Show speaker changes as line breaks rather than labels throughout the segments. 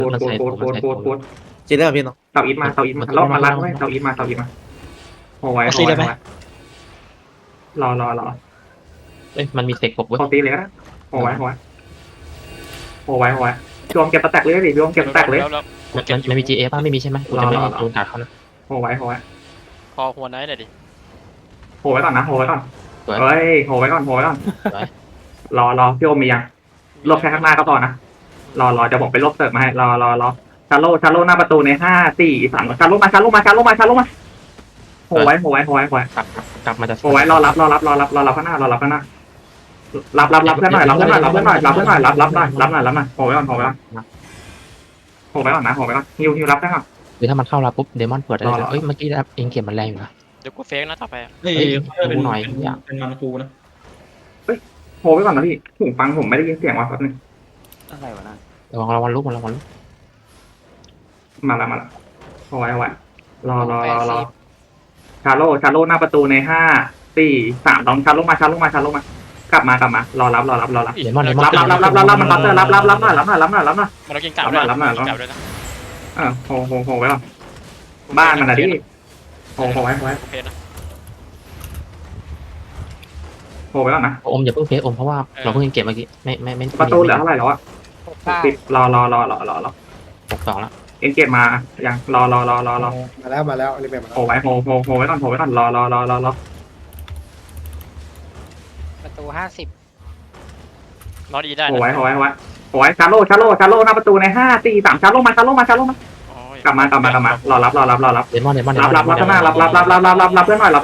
มันใส่
โค
ตัวมัน
ตร
ใส่
โค
ตัว
ตร
จีได้ป่ะพี่น้อง
เต่าอีทมาเรามาลัดไว้เต่าอีทมาโหไว้รอ
เอ้ยมันมีเสกปกเว้ย
เขาตีเลยนะโหไว้รวมเก็บสแต็กเลยดิรวมเก็บสแต็กเลย
มันมี GA ป่ะไม่มีใช่ไหมกูจะไม่โดนกัดเขานะ
โหไว้
พอหัวไนท์หน่อยดิ
โหไว้ก่อนนะโหไว้ก่อนเฮ้ยโหไว้ก่อนรอพี่โอมียังลบแค่ข้างหน้าก็พอนะรอจะบอกไปลบเสิร์ฟมาให้รอชาโลหน้าประตูใน5 4 3ชาโลมาโหไว้
กลับมาจะ
โหไว้รอรับข้างหน้ารับเพื่อนหน่อยรับหน่อยโหไว้ก่อนนะฮิวรับได้ก่อน
หรือถ้ามันเข้าเราปุ๊บเดมอนเปิดได้เลยเอ้ยเมื่อกี้เองเก็บมันแรงอยู่นะ
เดี๋ยวกูเฟกนะต่อไป
เฮ้ย
ดูหน่อย
เป็นมันครูนะ
โหไว้ก่อนนะพี่หูฟังผมไม่ได้ยินเสียงว่ะแป๊บนึง
อะไรวะน่ะ
ระวังลุก
มาละโหไว้รอชาโลหน้าประตูใน5 4 3ลองชาโลมากลับมารอรับ
เดมอน
รับมันรับหน่อยรับหน่อย
มันเรากินกลับด้วยนะ
โหไว้ก่อนบ้านมันนะดิโหไว้
โอเคนะ
โหไว้ก่อนนะ
อมอย่าเพิ่งเฟซอมเพราะว่าเราเพิ่งเก็บเมื่อกี้ไม่
ประตูเหลือเท่าไหร่แล้วอะ10รอ
62แล้ว
เอ็นเกตมายังรอ
มาแล้วรีบมา
โหไว้ก่อนรอ
ประตู
นอนอีได้
โหไว้ชาโลหน้าประตูใน5 4 3ชาโลมากลับมารอรับ
เดมอน
รับข้างหน้ารับเพื่อนหน่อย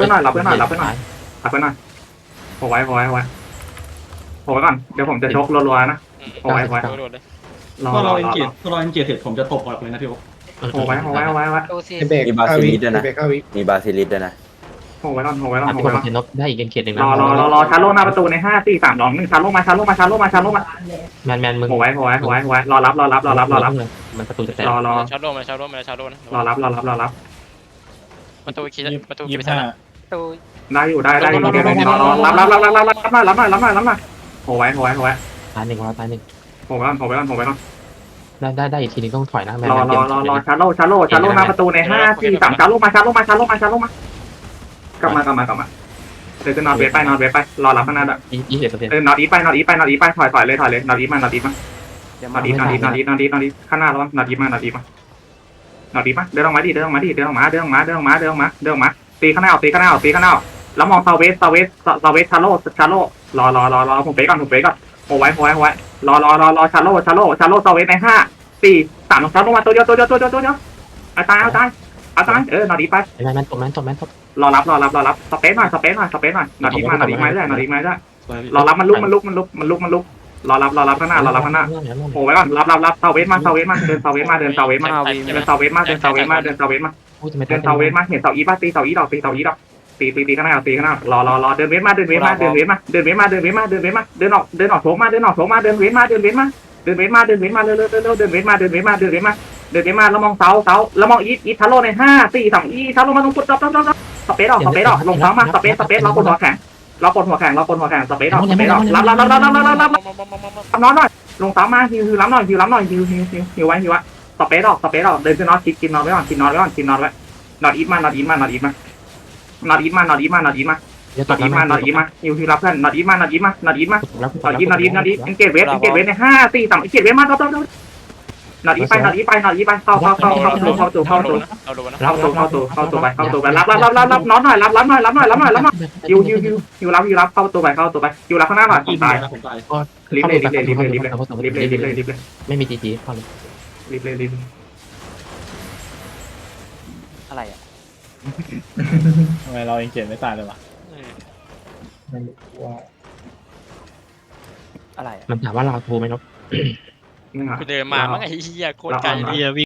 โหไว้ก่อนเดี๋ยวผมจะชกรัวๆนะโหไว้
โดนเลย
ถ้าเราเอ็นเกียร์เสร็จผมจะตบออกเลยนะพี่โอ๊
โหไว้
ประตู40
มีบาซิลิสด้วยนะมีบาซิลิสด้วยนะ
โหไว้ก่อน
ทุกคนเห็นนกได้อีกเขตหนึ่งนะ
รอชาโลหน้าประตูใน5 4 3 2 1ชาโลมา
แมนมึง
โหไว้รอรับ
มันประตูจะแตก
รอ
ชาร์โลนะ
รอรับ
ประตูคิดประตู
ยี่
ไป
สิบ
ใส่
ห้า
ประตู
ได้อยู่รอรับหน่อยโหไว้
ตายหนึ่ง
โหไว้ก่อน
ได้อีกทีนึงต้องถอยนะแมน
รอชาโลหน้าประตูใน5 4 3ชาโลมากลับมาเดี๋ยวจะนอนเวทไปรอรับข้างหน้าด้วย
20%
นอนอีไปถอยเลยนอนอีมานอนอีข้างหน้าแล้วนอนอีมาเดินออกมาตีข้างหน้าแล้วมองซาเวสชาโลรอผมเป๊กก่อนโอ้ไว้รอชาโลซาเวสใน5 4 3ชาโลมาตัวเดียวเอาตายนอนอีไป
แมนตบ
รอรับสเปซหน่อยนอนอีมาได้รอรับมันลุกรอรับข้างหน้าโอ้ไว้ก่อนรับเซาเวสมาเดินเซาเวสมาเห็นเซาอีป้าตีเซาอีดอกตีข้างหน้ารอเดินเวสมาเดินออกโถมาเดินเวสมาเร็วเดินเวสมาแล้วมองเสาแล้วมองอีทาโร่ใน5 4 3อีทาโร่มาตรงปุ๊บสเปซออกลงเท้ามาสเปซเรากดหัวแข็งสเปซออกรับนอนหน่อยลงเท้ามาฮิวรับหน่อยฮิวไว้สเปซออกเดินขึ้นนอนกินนอนไว้นอนอีทมานอนอีทมาฮิวรับเพื่อนนอนอีทมาเอ็นเกตเวสใน5 4 3เอ็นเกตเวสมานอนอีไปเข้าตัวไปรับนอนหน่อยรับหน่อยฮิวรับเข้าตัวไปฮิวรับข้างหน้าหน่อยตาย
ผมตาย
รีบเลย
ไม่มี GG พอเลย
รีบ
อะไรอ่ะ
ทำไมเราเอ็นเกียร์ไม่ตายเลยวะ
อะไรอ่ะ
มันถามว่าเราโทรไหมนก
กูเดินมามั้งไอ้เหี้ยโคตรไกลเลย